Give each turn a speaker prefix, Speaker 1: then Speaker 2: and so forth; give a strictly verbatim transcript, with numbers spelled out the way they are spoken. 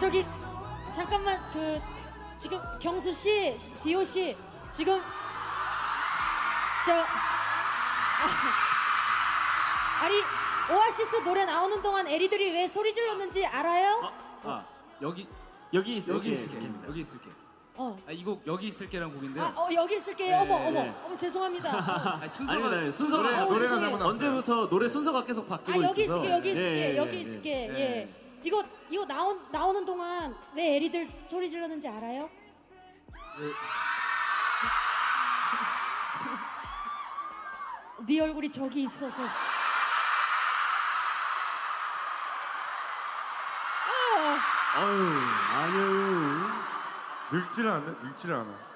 Speaker 1: 저기 잠깐만 그 지금 경수 씨, 디오 씨 지금 저 아, 아니 오아시스 노래 나오는 동안 에리들이 왜 소리 질렀는지 알아요?
Speaker 2: 아, 아 여기 여기 있을게.
Speaker 3: 여기 있을게.
Speaker 2: 여기 있을게.
Speaker 1: 어.
Speaker 2: 아, 이 곡 여기 있을게라는 곡인데.
Speaker 1: 아, 어 여기 있을게요.
Speaker 2: 네,
Speaker 1: 어머, 어머,
Speaker 2: 네.
Speaker 1: 어머 죄송합니다. 어.
Speaker 2: 아니, 순서가
Speaker 3: 아닙니다.
Speaker 2: 순서가
Speaker 3: 노래,
Speaker 1: 어,
Speaker 3: 노래가
Speaker 1: 죄송해요.
Speaker 3: 잘못 나왔어요.
Speaker 2: 언제부터 노래 순서가 계속
Speaker 1: 아
Speaker 2: 바뀌고
Speaker 1: 여기
Speaker 2: 있어서.
Speaker 1: 있을게, 여기 있을게,
Speaker 2: 예, 예,
Speaker 1: 여기
Speaker 2: 예,
Speaker 1: 있을게.
Speaker 2: 예.
Speaker 1: 예. 이거 이거 나온 나오는 동안 왜 에리들 소리 질렀는지 알아요? 네 얼굴이 저기 있어서. 아,
Speaker 2: 아유, 아니에요.
Speaker 3: 늙지는 않네. 늙지는 않아.